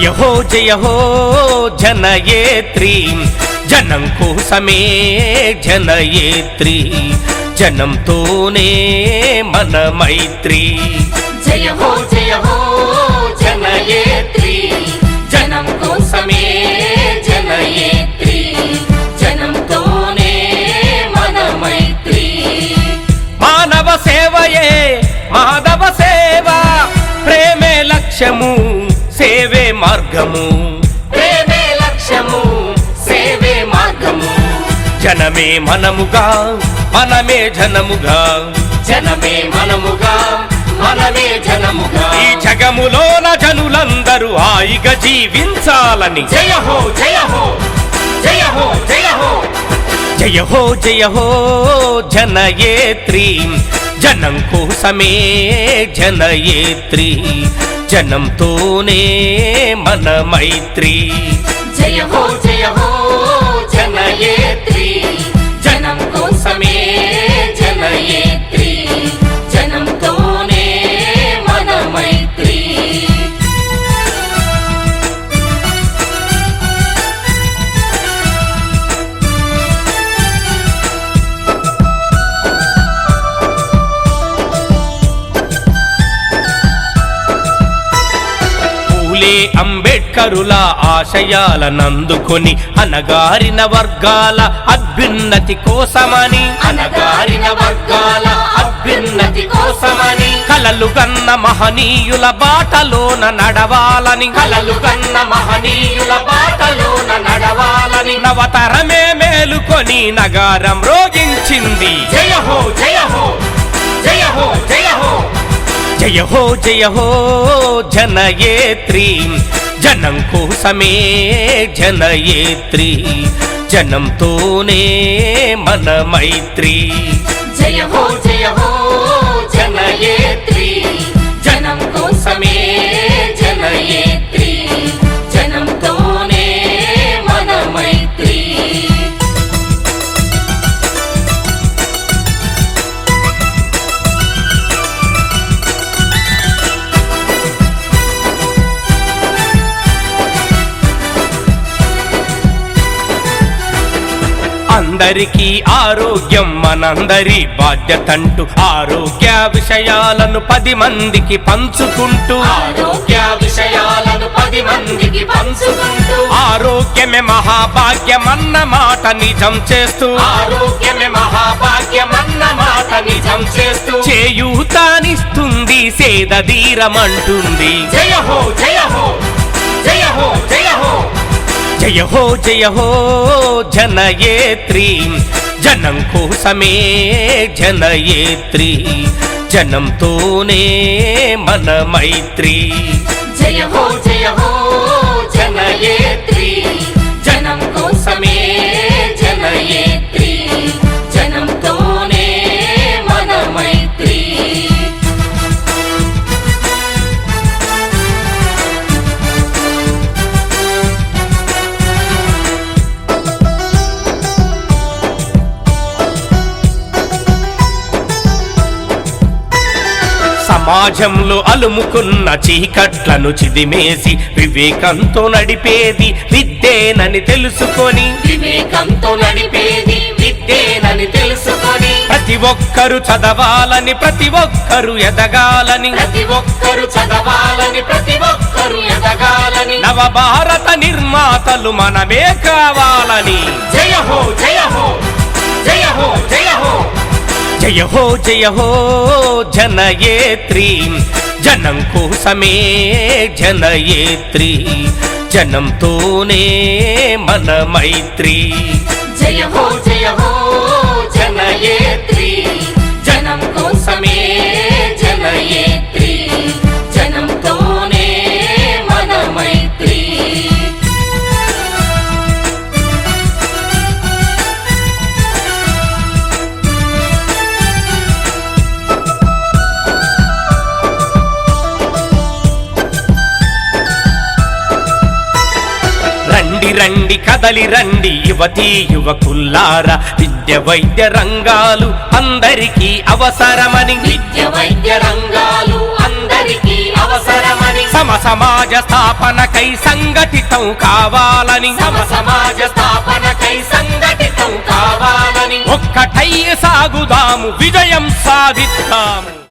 జయ హో జనయేత్రి జనం కోసమే జనయేత్రి జనంతోనే మన మైత్రి జయ హో జనయేత్రి జనం కోసమే జనయేత్రి జనంతోనే మన మైత్రి మానవ సేవయే మాధవ సేవ ప్రేమే లక్ష్యము సేవే మార్గము ప్రేమే లక్ష్యము సేవే మార్గము జనమే మనముగా మనమే జనముగా జనమే మనముగా మనమే జనముగా ఈ జగములోన జనులందరూ హాయిగా జీవించాలని జయ హో జయ హో జయ హో జయ హో జయ హో జనయేత్రి జనం కోసమే జనయేత్రి జనంతోనే మన మైత్రి జయ హో జనయేత్రి జనం కోసమే జనయేత్రి జనంతోనే మన మైత్రి అంబేడ్కరుల ఆశయాలనందుకొని అనగారిన వర్గాల అభ్యున్నతి కోసమని అనగారిన వర్గాల అభ్యున్నతి కోసమని కలలు కన్న మహనీయుల బాటలోన నడవాలని కలలు కన్న మహనీయుల బాటలోన నడవాలని నవతరమే మేలుకొని నగారం రోగించింది జయ హో జయ హో జయ హో జయ హో జయ హో జనయేత్రి జనం కోసమే జనయేత్రి జనంతోనే మన మైత్రి జయ హో జనయేత్రి జనం కోసమే జనయేత్రి జనంతోనే మన మైత్రి అందరికీ ఆరోగ్యం మనందరి బాధ్యతంటూ ఆరోగ్య విషయాలను 10 మందికి పంచుకుంటూ ఆరోగ్య విషయాలను 10 మందికి పంచుకుంటూ ఆరోగ్యమే మహాభాగ్యమన్న మాట నిజం చేస్తూ ఆరోగ్యమే మహాభాగ్యమన్న మాట నిజం చేస్తూ చేయూతానిస్తుంది సేదధీరమంటుంది జయ హో జయ హో జయ హో జయ హో జయ హో జనయేత్రి జనం కోసమే జనయేత్రి జనంతోనే మన మైత్రి జయ హో జనయేత్రి జనం కోసమే జనయేత్రి జనంతోనే మన మైత్రి సమాజంలో అలుముకున్న చీకట్లను చిదిమేసి వివేకంతో నడిపేది విద్యేనని తెలుసుకొని వివేకంతో నడిపేది విద్యేనని తెలుసుకొని ప్రతి ఒక్కరు చదవాలని ప్రతి ఒక్కరు ఎదగాలని ప్రతి ఒక్కరు చదవాలని ప్రతి ఒక్కరు ఎదగాలని నవభారత నిర్మాతలు మనమే కావాలని జయ హో జయ హో జయ హో జయ హో జయ హో జనయేత్రి జనం కోసమే జనయేత్రి జనంతోనే మన మైత్రి జయ హో జనయేత్రి జనం కోసమే జనయేత్రి జనంతోనే మన మైత్రి రండి కదలి రండి యువతీ యువకుల్లారా విద్య వైద్య రంగాలు అందరికీ అవసరమని విద్య వైద్య రంగాలు అందరికీ అవసరమని సమాజ సమాజ స్థాపనకై సంఘటితం కావాలని సమాజ స్థాపనకై సంఘటితం కావాలని ఒక్కటై సాగుదాము విజయం సాధిద్దాము